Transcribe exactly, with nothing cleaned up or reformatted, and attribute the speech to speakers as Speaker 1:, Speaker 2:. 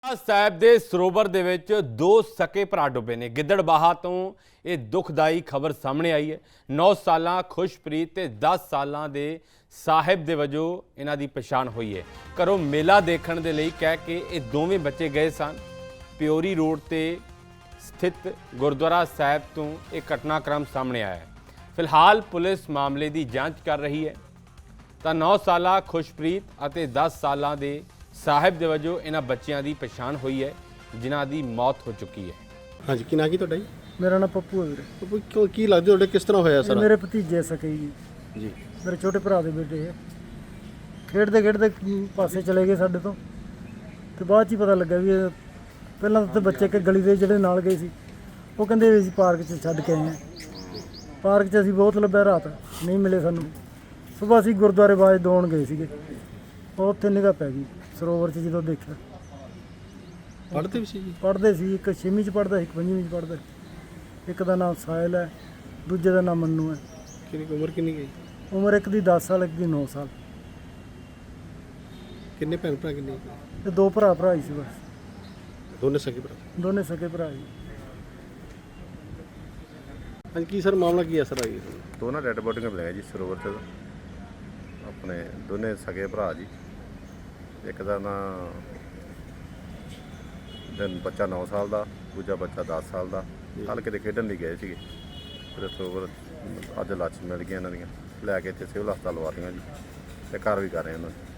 Speaker 1: ਸਾਹਿਬ ਦੇ ਸਰੋਵਰ ਦੇ ਵਿੱਚ ਦੋ ਸਕੇ ਭਰਾ ਡੁੱਬੇ ਨੇ। ਗਿੱਦੜਬਾਹਾ ਤੋਂ ਇਹ ਦੁਖਦਾਈ ਖਬਰ ਸਾਹਮਣੇ ਆਈ ਹੈ। ਨੌ ਸਾਲਾਂ ਖੁਸ਼ਪ੍ਰੀਤ ਤੇ ਦਸ ਸਾਲਾਂ ਦੇ ਸਾਹਿਬ ਦੇ ਵਜੋਂ ਇਹਨਾਂ ਦੀ ਪਛਾਣ ਹੋਈ ਹੈ। ਘਰੋਂ ਮੇਲਾ ਦੇਖਣ ਦੇ ਲਈ ਕਹਿ ਕੇ ਇਹ ਦੋਵੇਂ ਬੱਚੇ ਗਏ ਸਨ। ਪਿਓਰੀ ਰੋਡ ਤੇ ਸਥਿਤ ਗੁਰਦੁਆਰਾ ਸਾਹਿਬ ਤੋਂ ਇਹ ਘਟਨਾਕ੍ਰਮ ਸਾਹਮਣੇ ਆਇਆ ਹੈ। ਫਿਲਹਾਲ ਪੁਲਿਸ ਮਾਮਲੇ ਦੀ ਜਾਂਚ ਕਰ ਰਹੀ ਹੈ। ਤਾਂ ਨੌ ਸਾਲਾ ਖੁਸ਼ਪ੍ਰੀਤ ਅਤੇ ਦਸ ਸਾਲਾਂ ਦੇ ਸਾਹਿਬ ਦੇ ਵਜੋਂ ਇਹਨਾਂ ਬੱਚਿਆਂ ਦੀ ਪਛਾਣ ਹੋਈ ਹੈ, ਜਿਨ੍ਹਾਂ ਦੀ ਮੌਤ ਹੋ ਚੁੱਕੀ ਹੈ।
Speaker 2: ਹਾਂਜੀ, ਕੀ ਨਾਂ ਕੀ ਤੁਹਾਡਾ ਜੀ?
Speaker 3: ਮੇਰਾ ਨਾਮ ਪੱਪੂ ਹੈ ਵੀਰੇ।
Speaker 2: ਪੱਪੂ, ਕਿਉਂ ਕੀ ਲੱਗਦਾ ਤੁਹਾਡੇ ਕਿਸ ਤਰ੍ਹਾਂ ਹੋਇਆ
Speaker 3: ਇਹ
Speaker 2: ਸਰ?
Speaker 3: ਮੇਰੇ ਭਤੀਜੇ ਸਕੇ ਜੀ,
Speaker 2: ਜੀ
Speaker 3: ਮੇਰੇ ਛੋਟੇ ਭਰਾ ਦੇ ਬੇਟੇ ਹੈ। ਖੇਡਦੇ ਖੇਡਦੇ ਪਾਸੇ ਚਲੇ ਗਏ ਸਾਡੇ ਤੋਂ, ਤੇ ਬਾਅਦ 'ਚ ਹੀ ਪਤਾ ਲੱਗਾ ਵੀ ਇਹ ਪਹਿਲਾਂ ਤਾਂ ਬੱਚੇ ਕਿ ਗਲੀ ਦੇ ਜਿਹੜੇ ਨਾਲ ਗਏ ਸੀ ਉਹ ਕਹਿੰਦੇ ਵੀ ਅਸੀਂ ਪਾਰਕ 'ਚ ਛੱਡ ਕੇ ਆਏ ਹਾਂ। ਪਾਰਕ 'ਚ ਅਸੀਂ ਬਹੁਤ ਲੱਭਿਆ, ਰਾਤ ਨਹੀਂ ਮਿਲੇ ਸਾਨੂੰ। ਸੁਬਾਹ ਅਸੀਂ ਗੁਰਦੁਆਰੇ ਬਾਜ ਦੌਣ ਗਏ ਸੀਗੇ, ਉਹ ਉੱਥੇ ਨਿਗਾਹ ਪੈ ਗਈ ਸਰੋਵਰ 'ਚ। ਜਦੋਂ ਦੇਖਿਆ
Speaker 2: ਪੜ੍ਹਦੇ ਵੀ ਸੀ ਜੀ?
Speaker 3: ਪੜ੍ਹਦੇ ਸੀ, ਇੱਕ ਛੇਵੀਂ 'ਚ ਪੜ੍ਹਦਾ ਸੀ, ਇੱਕ ਪੰਜਵੀਂ 'ਚ ਪੜ੍ਹਦਾ ਸੀ। ਇੱਕ ਦਾ ਨਾਮ ਸਾਹਿਲ ਹੈ, ਦੂਜੇ ਦਾ ਨਾਮ ਮੰਨੂ ਹੈ।
Speaker 2: ਕਿੰਨੀ ਕੁ ਉਮਰ ਕਿੰਨੀ ਗਈ?
Speaker 3: ਉਮਰ ਇੱਕ ਦੀ ਦਸ ਸਾਲ, ਇੱਕ ਦੀ ਨੌ ਸਾਲ।
Speaker 2: ਕਿੰਨੇ ਭੈਣ ਭਰਾ ਕਿੰਨੇ?
Speaker 3: ਤੇ ਦੋ ਭਰਾ ਭਰਾ ਹੀ ਸੀ ਬਸ,
Speaker 2: ਦੋਨੇ ਸਕੇ ਭਰਾ?
Speaker 3: ਦੋਨੇ ਸਕੇ ਭਰਾ ਜੀ।
Speaker 2: ਹਾਂਜੀ, ਕੀ ਸਰ ਮਾਮਲਾ ਕੀ ਹੈ ਸਰ? ਆਈ
Speaker 4: ਦੋਨਾਂ ਡੈਡ ਬੋਡੀਆਂ ਮਿਲੀਆਂ ਜੀ ਸਰੋਵਰ 'ਚ, ਆਪਣੇ ਦੋਨੇ ਸਗੇ ਭਰਾ ਜੀ। ਇੱਕ ਦਾ ਨਾਂ ਦਿਨ ਬੱਚਾ ਨੌ ਸਾਲ ਦਾ, ਦੂਜਾ ਬੱਚਾ ਦਸ ਸਾਲ ਦਾ। ਕੱਲ੍ਹ ਕਿਤੇ ਖੇਡਣ ਲਈ ਗਏ ਸੀਗੇ, ਫਿਰ ਸਰੋਵਰ ਅੱਜ ਲਾਸ਼ ਮਿਲ ਗਈਆਂ ਇਹਨਾਂ ਦੀਆਂ, ਲੈ ਕੇ ਇੱਥੇ ਸਿਵਲ ਹਸਪਤਾਲ ਲਵਾ ਦਿੱਤੀਆਂ ਜੀ, ਤੇ ਘਰ ਵੀ ਕਰ ਰਹੇ ਉਹਨਾਂ ਨੂੰ।